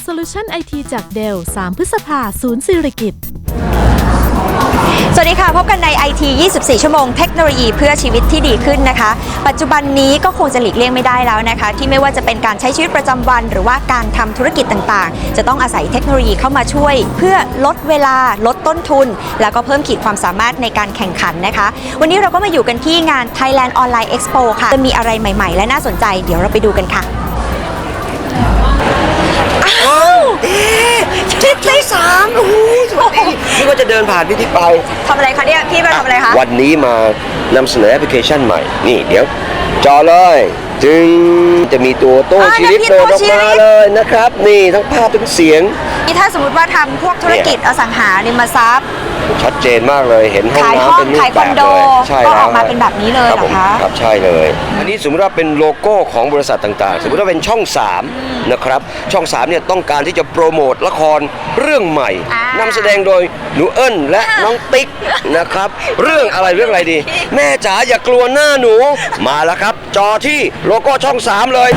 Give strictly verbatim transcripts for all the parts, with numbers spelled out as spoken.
Solution ไอ ที จาก เดล สาม พฤษภาคม ศูนย์สิริกิติ์สวัสดีค่ะพบกันใน ไอ ที ยี่สิบสี่ ชั่วโมงเทคโนโลยีเพื่อชีวิตที่ดีขึ้นนะคะปัจจุบันนี้ก็คงจะหลีกเลี่ยงไม่ได้แล้วนะคะที่ไม่ว่าจะเป็นการใช้ชีวิตประจำวันหรือว่าการทำธุรกิจต่างๆจะต้องอาศัยเทคโนโลยีเข้ามาช่วยเพื่อลดเวลาลดต้นทุนแล้วก็เพิ่มขีดความสามารถในการแข่งขันนะคะวันนี้เราก็มาอยู่กันที่งาน Thailand Online Expo ค่ะจะมีอะไรใหม่ๆและน่าสนใจเดี๋ยวเราไปดูกันค่ะอ้าวทิศที่สามโอ้โหสวัสดีนี่ก็จะเดินผ่านพี่ที่ไปทำอะไรคะเนี่ยพี่มาทำอะไรคะวันนี้มานำเสนอแอปพลิเคชันใหม่นี่เดี๋ยวจอเลยจึงจะมีตัวโต้ชีวิตโดดออกมาเลยนะครับนี่ทั้งภาพทั้งเสียงนี่ถ้าสมมติว่าทำพวกธุรกิจอสังหาริมทรัพย์ชัดเจนมากเลยเห็นห้องน้ำเป็นรูปแบบเลยใช่แล้วก็ออกมาเป็นแบบนี้เลยเหรอคะครับใช่เลยอันนี้สมมติว่าเป็นโลโก้ของบริษัทต่างๆสมมติว่าเป็นช่องสามนะครับช่องสามเนี่ยต้องการที่จะโปรโมทละครเรื่องใหม่นำแสดงโดยหนูเอิ้นและน้องติ๊กนะครับเรื่องอะไรเรื่องอะไรดีแม่จ๋าอย่ากลัวหน้าหนูมาแล้วครับจอที่โลโก้ช่องสามเลย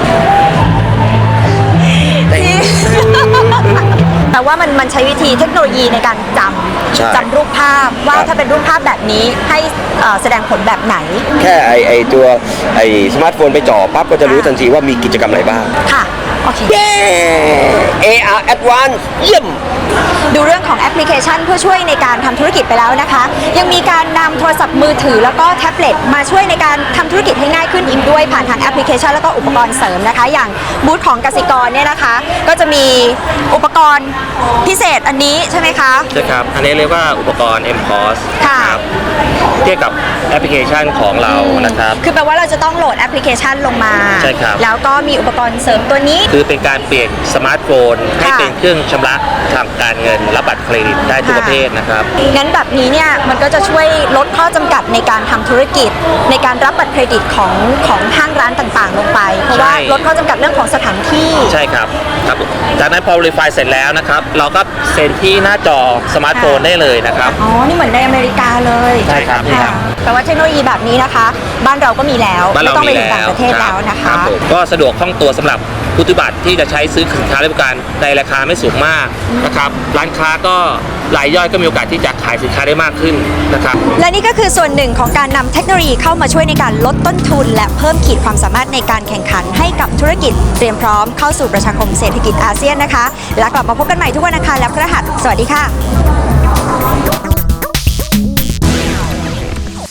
แต่ว่ามันมันใช้วิธีเทคโนโลยีในการจำจำรูปภาพว่าถ้าเป็นรูปภาพแบบนี้ให้แสดงผลแบบไหนแค่ไอไอตัวไอสมาร์ทโฟนไปจ่อปั๊บก็จะรู้ทันทีว่ามีกิจกรรมอะไรบ้างค่ะโอเคเย้ เอ อาร์ Advance เยี่ยมดูเรื่องของแอปพลิเคชันเพื่อช่วยในการทำธุรกิจไปแล้วนะคะยังมีการนำโทรศัพท์มือถือแล้วก็แท็บเล็ตมาช่วยในการทำธุรกิจให้ง่ายขึ้นอีกด้วยผ่านทางแอปพลิเคชันแล้วก็อุปกรณ์เสริมนะคะอย่างบูธของกสิกรเนี่ยนะคะก็จะมีอุปกรณ์พิเศษอันนี้ใช่ไหมคะใช่ครับอันนี้เรียกว่าอุปกรณ์ เอ็ม พอสค่ะเทียบกับแอปพลิเคชันของเรานะครับคือแปลว่าเราจะต้องโหลดแอปพลิเคชันลงมาใช่ครับแล้วก็มีอุปกรณ์เสริมตัวนี้คือเป็นการเปลี่ยนสมาร์ทโฟนให้เป็นเครื่องชำระทางการเงินรับบัตรเครดิตได้ทุกประเภทนะครับงั้นแบบนี้เนี่ยมันก็จะช่วยลดข้อจำกัดในการทำธุรกิจในการรับบัตรเครดิตของของห้างร้านต่างๆลงไปเพราะว่าลดข้อจำกัดเรื่องของสถานที่ใช่ครับครับจากนั้นพอ Verify เสร็จแล้วนะครับเราก็เซ็นที่หน้าจอสมาร์ทโฟนได้เลยนะครับอ๋อนี่เหมือนในอเมริกาเลยใช่ครับแปลว่าเทคโนโลยีแบบนี้นะคะบ้านเราก็มีแล้วไม่ต้องไปถึงต่างประเทศแล้วนะคะก็สะดวกคล่องตัวสำหรับผู้ถือบัตรที่จะใช้ซื้อสินค้าและบริการในราคาไม่สูงมากนะครับร้านค้าก็รายย่อยก็มีโอกาสที่จะขายสินค้าได้มากขึ้นนะครับและนี่ก็คือส่วนหนึ่งของการนำเทคโนโลยีเข้ามาช่วยในการลดต้นทุนและเพิ่มขีดความสามารถในการแข่งขันให้กับธุรกิจเตรียมพร้อมเข้าสู่ประชาคมเศรษฐกิจอาเซียนนะคะและกลับมาพบกันใหม่ทุกวันอังคารและพฤหัสสวัสดีค่ะ